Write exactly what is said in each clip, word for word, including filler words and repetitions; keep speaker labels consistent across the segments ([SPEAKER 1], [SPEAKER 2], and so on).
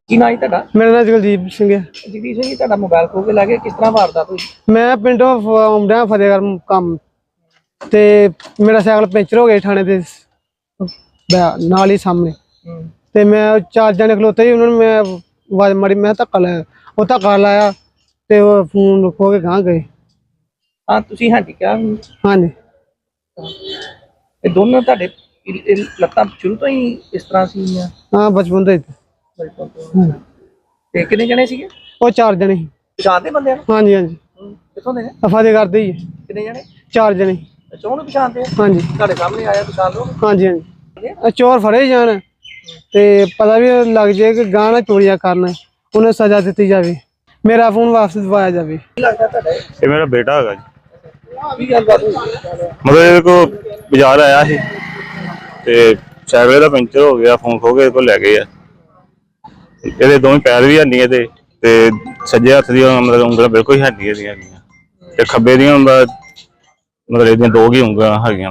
[SPEAKER 1] ਕੀ ਨਾਂ ਜੀ ਤੁਹਾਡਾ?
[SPEAKER 2] मेरा नाम जगदीप सिंह है।
[SPEAKER 1] ਜਗਦੀਸ਼ ਜੀ ਤੁਹਾਡਾ ਮੋਬਾਈਲ ਖੋ ਕੇ ਲੈ ਗਏ, ਕਿਸ ਤਰ੍ਹਾਂ ਵਾਰਦਾਤ ਹੋਈ?
[SPEAKER 2] मैं पिंडों आउंदा फतेहगढ़ काम ते मेरा साइकिल पंचर हो गया थाने दे नाल ही सामने ते मैं चार जने खलोते ही उन्होंने मैं आवाज मारी, मैं धक्का लाया, वो धक्का लाया ते वो फोन खो के गांह गए।
[SPEAKER 1] ਹਾਂ ਤੁਸੀਂ ਹਾਂਜੀ ਕਿਹਾ
[SPEAKER 2] हाँ जी
[SPEAKER 1] ਇਹ ਦੋਨੋਂ ਤੁਹਾਡੇ ਇਹ- ਇਹ ਲੱਤਾਂ ਸ਼ੁਰੂ ਤੋਂ ਹੀ ਇਸ ਤਰ੍ਹਾਂ ਸੀਗੀਆਂ?
[SPEAKER 2] हाँ बचपन तो
[SPEAKER 1] ਬਚਪਨ ਤੋਂ। ਤੇ ਕਿੰਨੇ ਜਣੇ ਸੀਗੇ?
[SPEAKER 2] वो चार जने ही।
[SPEAKER 1] ਪਛਾਣਦੇ ਬੰਦਿਆਂ ਨੂੰ?
[SPEAKER 2] हाँ जी हाँ जी
[SPEAKER 1] ਕਿੱਥੋਂ ਦੇ ਨੇ?
[SPEAKER 2] फतेहगढ़ दे ही है।
[SPEAKER 1] ਕਿੰਨੇ ਜਣੇ?
[SPEAKER 2] चार जने।
[SPEAKER 1] ਅੱਛਾ ਉਹਨੂੰ ਪਛਾਣਦੇ ਆ?
[SPEAKER 2] हाँ जी
[SPEAKER 1] ਤੁਹਾਡੇ ਸਾਹਮਣੇ ਆਇਆ ਪਛਾਣ ਲਓ?
[SPEAKER 2] हाँ जी हाँ जी चोर फड़े जान ते पता भी लग जाए कि गांह ना चोरियां करना, उन्हें सजा दी जाए, मेरा फोन वापस दिवाया जाए।
[SPEAKER 1] ਕੀ ਲੱਗਦਾ ਤੁਹਾਡਾ ਇਹ?
[SPEAKER 3] ਇਹ ਮੇਰਾ ਬੇਟਾ ਹੈਗਾ ਜੀ।
[SPEAKER 1] ਕੀ ਗੱਲਬਾਤ ਹੋਈ?
[SPEAKER 3] ਮਤਲਬ ਇਹਦੇ ਕੋਲ ਬਾਜ਼ਾਰ ਆਇਆ ਸੀ ਤੇ ਸਾਈਕਲ ਦਾ ਪੈਂਚਰ ਹੋ ਗਿਆ, ਫੋਨ ਖੋ ਕੇ ਇਹਦੇ ਕੋਲ ਲੈ ਗਏ ਆ। ਇਹਦੇ ਦੋਵੇਂ ਪੈਰ ਵੀ ਹੈਨੀ ਇਹਦੇ ਤੇ ਸੱਜੇ ਹੱਥ ਦੀਆਂ ਮਤਲਬ ਉਂਗਲਾਂ ਬਿਲਕੁਲ ਹੈ ਨਹੀਂ ਇਹਦੀਆਂ ਤੇ ਖੱਬੇ ਦੀਆਂ ਮਤਲਬ ਇਹਦੀਆਂ ਦੋ ਹੀ ਉਂਗਲਾਂ ਹੈਗੀਆਂ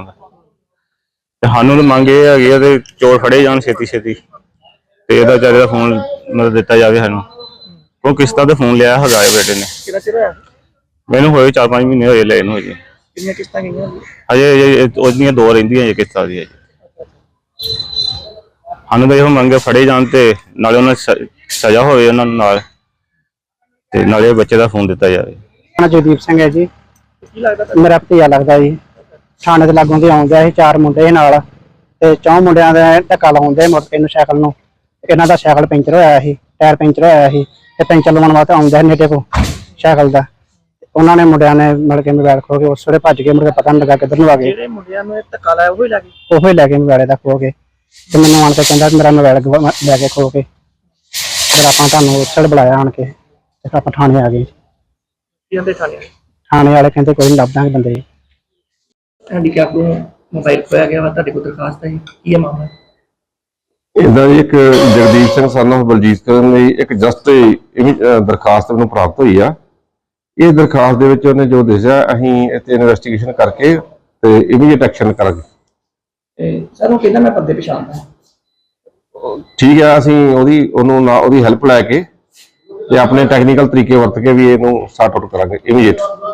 [SPEAKER 3] ਤੇ ਸਾਨੂੰ ਤਾਂ ਮੰਗ ਇਹ ਹੈਗੀ ਆ ਤੇ ਚੋਰ ਫੜੇ ਜਾਣ ਛੇਤੀ ਛੇਤੀ ਤੇ ਇਹਦਾ ਵਿਚਾਰੇ ਦਾ ਫੋਨ ਮਤਲਬ ਦਿੱਤਾ ਜਾਵੇ ਸਾਨੂੰ, ਕਿਉਂ ਕਿਸ਼ਤਾਂ ਤੇ ਫੋਨ ਲਿਆ ਹੈਗਾ ਬੇਟੇ ਨੇ।
[SPEAKER 1] ਕਿੰਨਾ ਚਿਰ ਹੋਇਆ?
[SPEAKER 3] ਮੈਨੂੰ ਹੋਏ ਚਾਰ ਪੰਜ ਮਹੀਨੇ ਹੋਏ ਲਏ ਨੂੰ ਜੀ।
[SPEAKER 1] ਕਿੰਨੀਆਂ ਕਿਸ਼ਤਾਂ ਗਈਆਂ ਜੀ?
[SPEAKER 3] ਅਜੇ ਉਹਦੀਆਂ ਦੋ ਰਹਿੰਦੀਆਂ ਜੀ ਕਿਸ਼ਤਾਂ ਦੀਆਂ ਜੀ। ਸਾਨੂੰ ਤਾਂ ਇਹੋ ਮੰਗੇ ਫੜੇ ਜਾਣ ਤੇ ਨਾਲੇ ਉਹਨਾਂ ਸਜ਼ਾ ਹੋਵੇ ਉਹਨਾਂ ਨੂੰ ਨਾਲ ਤੇ ਨਾਲੇ ਬੱਚੇ ਦਾ ਫੋਨ ਦਿੱਤਾ ਜਾਵੇ।
[SPEAKER 2] जगदीप सिंह है जी।
[SPEAKER 1] ਕੀ ਲੱਗਦਾ ਤੁਹਾਨੂੰ?
[SPEAKER 2] मेरा भतीजा लगता जी। थाने ते लागों ते आउंदा ਸੀ चार मुंडे नाल ते चौं मुंडियां दे धक्का लाउंदे मोटरसाइकल नूं साइकिल नूं। इन्हां दा साइकिल पैंचर होया ਸੀ, टायर पैंचर होया ਸੀ ते पैंचर लवाउण वास्ते आउंदा ਸੀ नेटे को साइकिल दा। ਉਹਨਾਂ ਨੇ ਮੁੰਡਿਆਂ ਨੇ ਮਿਲ ਕੇ ਮੋਬਾਈਲ ਖੋ ਕੇ ਉਸ ਵੇਲੇ ਭੱਜ ਗਏ, ਮੁੜ ਕੇ ਪਤਾ ਨਹੀਂ ਲੱਗਾ ਕਿੱਧਰ ਨੂੰ ਆ ਗਏ।
[SPEAKER 1] ਜਿਹੜੇ ਮੁੰਡਿਆਂ ਨੂੰ ਇਹ ਧੱਕਾ ਲਾਇਆ ਉਹ ਹੀ ਲੱਗੇ?
[SPEAKER 2] ਉਹੀ ਲੈ ਕੇ ਮੋਬਾਈਲ ਦਾ ਖੋ ਕੇ ਤੇ ਮੈਨੂੰ ਆਣ ਕੇ ਕਹਿੰਦਾ ਮੇਰਾ ਮੋਬਾਈਲ ਲੈ ਕੇ ਖੋ ਕੇ। ਫਿਰ ਆਪਾਂ ਤੁਹਾਨੂੰ ਉਸ ਵੇਲੇ ਬੁਲਾਇਆ ਆਣ ਕੇ ਤੇ ਆਪਾਂ ਥਾਣੇ ਆ ਗਏ।
[SPEAKER 1] ਕੀ ਕਹਿੰਦੇ ਥਾਣੇ?
[SPEAKER 2] ਥਾਣੇ ਵਾਲੇ ਕਹਿੰਦੇ ਕੋਈ ਨਹੀਂ, ਲੱਭ ਦਾਂਗੇ ਬੰਦੇ।
[SPEAKER 1] ਹੈਂਡੀਕੈਪ ਨੂੰ ਮੋਬਾਈਲ ਖੋਇਆ ਗਿਆ ਵਾ, ਤੁਹਾਡੇ ਕੋਲ ਦਰਖਾਸਤ ਹੈ ਜੀ, ਕੀ ਹੈ ਮਾਮਲਾ?
[SPEAKER 4] ਇਦਾਂ ਦੀ ਇੱਕ ਜਗਦੀਪ ਸਿੰਘ ਸਨ ਆਫ ਬਲਜੀਤ ਕਰਨ ਲਈ ਇੱਕ ਜਸਟ ਦਰਖਾਸਤ ਨੂੰ ਪ੍ਰਾਪਤ ਹੋਈ ਆ। ਇਸ ਦਰਖਾਸਤ ਦੇ ਵਿੱਚ ਉਹਨੇ ਜੋ ਦੱਸਿਆ ਅਸੀਂ ਇੱਥੇ ਇਨਵੈਸਟੀਗੇਸ਼ਨ ਕਰਕੇ ਤੇ ਇਮੀਡੀਏਟ ਐਕਸ਼ਨ ਕਰਾਂਗੇ।
[SPEAKER 1] ਸਰ ਉਹ ਕਹਿੰਦਾ ਮੈਂ ਬੰਦੇ ਪਛਾਣਦਾ।
[SPEAKER 4] ਠੀਕ ਆ, ਅਸੀਂ ਉਹਦੀ ਉਹਨੂੰ ਨਾ ਉਹਦੀ ਹੈਲਪ ਲੈ ਕੇ ਤੇ ਆਪਣੇ ਟੈਕਨੀਕਲ ਤਰੀਕੇ ਵਰਤ ਕੇ ਵੀ ਇਹਨੂੰ ਸੌਰਟ ਆਊਟ ਕਰਾਂਗੇ ਇਮੀਡੀਏਟ।